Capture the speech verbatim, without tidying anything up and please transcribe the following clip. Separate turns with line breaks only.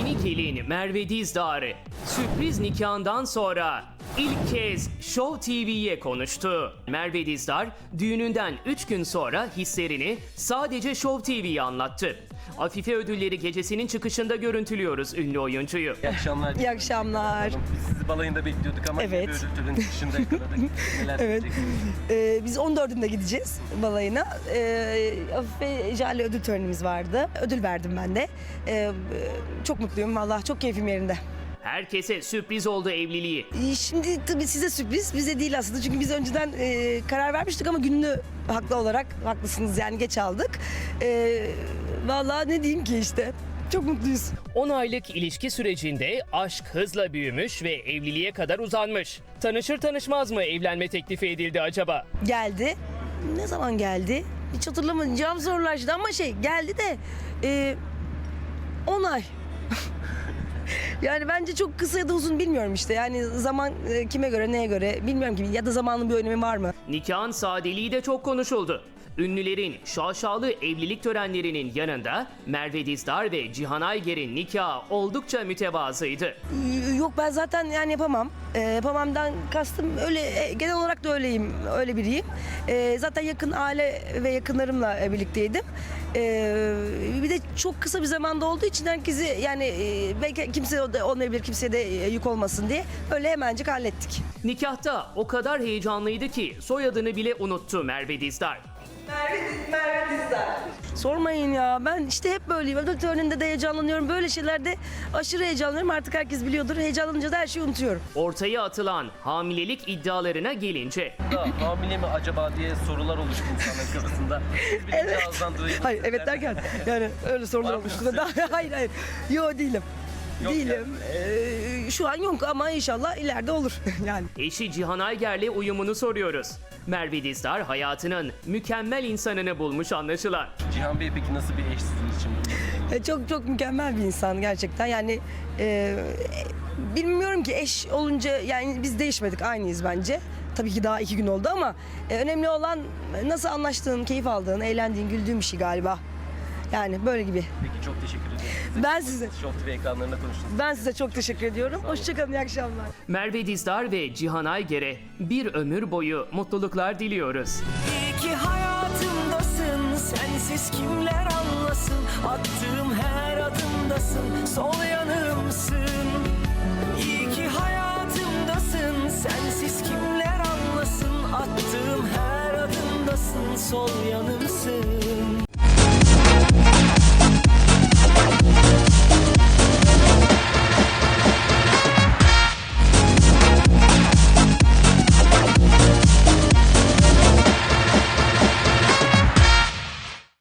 Yeni gelin Merve Dizdar'ı sürpriz nikahından sonra ilk kez Show T V'ye konuştu. Merve Dizdar düğününden üç gün sonra hislerini sadece Show T V'ye anlattı. Afife Ödülleri gecesinin çıkışında görüntülüyoruz ünlü oyuncuyu.
İyi akşamlar.
İyi akşamlar.
Biz sizi balayında bekliyorduk ama
Evet.
bir ödül töreninin çıkışında yakaladık. Neler
Evet.
diyeceksiniz?
Ee, biz on dördünde gideceğiz balayına. Ee, Afife Jale ödül törenimiz vardı. Ödül verdim ben de. Ee, çok mutluyum vallahi, çok keyfim yerinde.
Herkese sürpriz oldu evliliği.
Ee, Şimdi tabii size sürpriz, bize değil aslında. Çünkü biz önceden e, karar vermiştik ama gününü haklı olarak, haklısınız yani, geç aldık. Ee, vallahi ne diyeyim ki işte. Çok mutluyuz.
on aylık ilişki sürecinde aşk hızla büyümüş ve evliliğe kadar uzanmış. Tanışır tanışmaz mı evlenme teklifi edildi acaba?
Geldi. Ne zaman geldi? Hiç hatırlamayacağım, sorulaştı ama şey geldi de e, on ay. Yani bence çok kısa ya da uzun bilmiyorum işte. Yani zaman e, kime göre, neye göre bilmiyorum ki, ya da zamanın bir önemi var mı?
Nikahın sadeliği de çok konuşuldu. Ünlülerin şaşalı evlilik törenlerinin yanında Merve Dizdar ve Cihan Ayger'in nikahı oldukça mütevazıydı.
Ee, Yok, ben zaten yani yapamam. Ee, yapamamdan kastım öyle, e, genel olarak da öyleyim, öyle biriyim. Ee, zaten yakın aile ve yakınlarımla e, birlikteydim. Ee, bir de çok kısa bir zamanda olduğu için herkesi yani e, belki kimse de olmayabilir, kimseye de e, yük olmasın diye öyle hemencik hallettik.
Nikahta o kadar heyecanlıydı ki soyadını bile unuttu Merve Dizdar.
Sormayın ya, ben işte hep böyleyim. Ödül töreninde de heyecanlanıyorum. Böyle şeylerde aşırı heyecanlanıyorum. Artık herkes biliyordur. Heyecanlanınca da her şeyi unutuyorum.
Ortaya atılan hamilelik iddialarına gelince
Da, hamile mi acaba diye sorular oluştu insanların kafasında. Siz birinci
Evet.
ağızdan duyuyorsunuz.
Hayır, evet derken yani öyle sorular
Var mı
olmuştu da daha, hayır hayır. Yo, değilim.
Yok
değilim. Ee, şu an yok ama inşallah ileride olur yani.
eşi Cihan Ayger'le uyumunu soruyoruz. Merve Dizdar hayatının mükemmel insanını bulmuş anlaşılan.
Cihan Bey peki nasıl bir eş sizin için?
E, Çok çok mükemmel bir insan gerçekten. Yani e, bilmiyorum ki, eş olunca yani biz değişmedik, aynıyız bence. Tabii ki daha iki gün oldu ama e, önemli olan nasıl anlaştığın, keyif aldığın, eğlendiğin, güldüğün bir şey galiba. Yani böyle gibi.
Peki çok teşekkür ederim.
Ben size
Show T V ekranlarında konuştunuz.
ben size çok teşekkür ediyorum. Hoşçakalın, iyi akşamlar.
Merve Dizdar ve Cihan Ayger'e bir ömür boyu mutluluklar diliyoruz.
İyi ki hayatımdasın, sensiz kimler anlasın, attığım her adımdasın, sol yanımsın. İyi ki hayatımdasın, sensiz kimler anlasın, attığım her adımdasın, sol yanımsın.